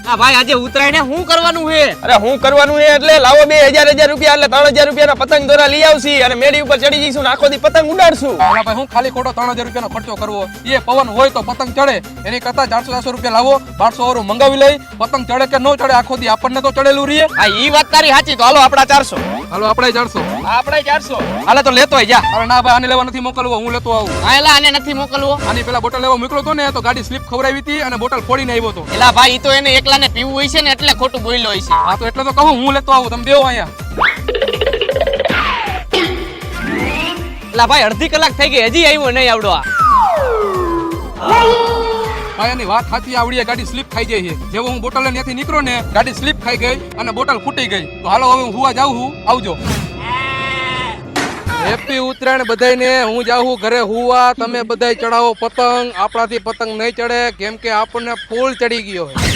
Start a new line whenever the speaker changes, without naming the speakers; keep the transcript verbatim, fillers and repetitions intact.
આ ભાઈ આજે ઉતરાયણ શું કરવાનું છે?
અરે હું કરવાનું છે એટલે લાવો બે હજાર હજાર રૂપિયા એટલે ત્રણ હજાર રૂપિયાના પતંગ દોરા લઈ આવશી અને મેડી ઉપર ચડી જઈશું ને આખો દી પતંગ ઉડાડશું.
હા ભાઈ હું ખાલી ખોટો ત્રણ હજાર રૂપિયાનો ખર્ચો કરવો? એ પવન હોય તો પતંગ ચડે, એની કરતા ચારસો ચારસો રૂપિયા લાવો, બારસો વાળું મંગાવી લઈ, પતંગ ચડે કે ન ચડે આખો દી આપણને તો ચડેલું રહીએ.
હા ઈ વાત તારી સાચી. તો હાલો આપડા ચારસો.
હાલો આપણે ચારસો.
આપણે ચારસો.
હાલે તો લેતો જા. અરે ના ભાઈ આને લેવા નથી મોકલવો, હું લેતો આવું.
હા એલા આને નથી મોકલવો.
આની પેલા બોટલ લેવા મોકલો તો ને તો ગાડી સ્લીપ ખવડાવી હતી અને બોટલ ફોડીને આવ્યો તો.
એલા ભાઈ ઈ તો એને એકલાને પીવું હોય છે ને એટલે ખોટું બોલ્યો હોય છે.
હા તો એટલે તો કહું હું લેતો આવું, તમે બેહો અહીંયા.
એલા ભાઈ અડધી કલાક થઈ ગઈ હજી આવ્યો નહીં આવડો આ.
ભાઈ એની વાત સાચી, આવડી ગાડી સ્લીપ ખાઈ જાય છે. જેવો હું બોટલ ત્યાંથી નીકળ્યો ને ગાડી સ્લીપ ખાઈ ગઈ અને બોટલ ફૂટી ગઈ. તો હાલો હવે હું હુવા જાઉં છું, આવજો. હેપી ઉત્તરાયણ બધાયને. હું જાઉં ઘરે હુવા, તમે બધાય ચડાવો પતંગ. આપણાથી પતંગ નહીં ચડે કેમ કે આપણને ફૂલ ચડી ગયો.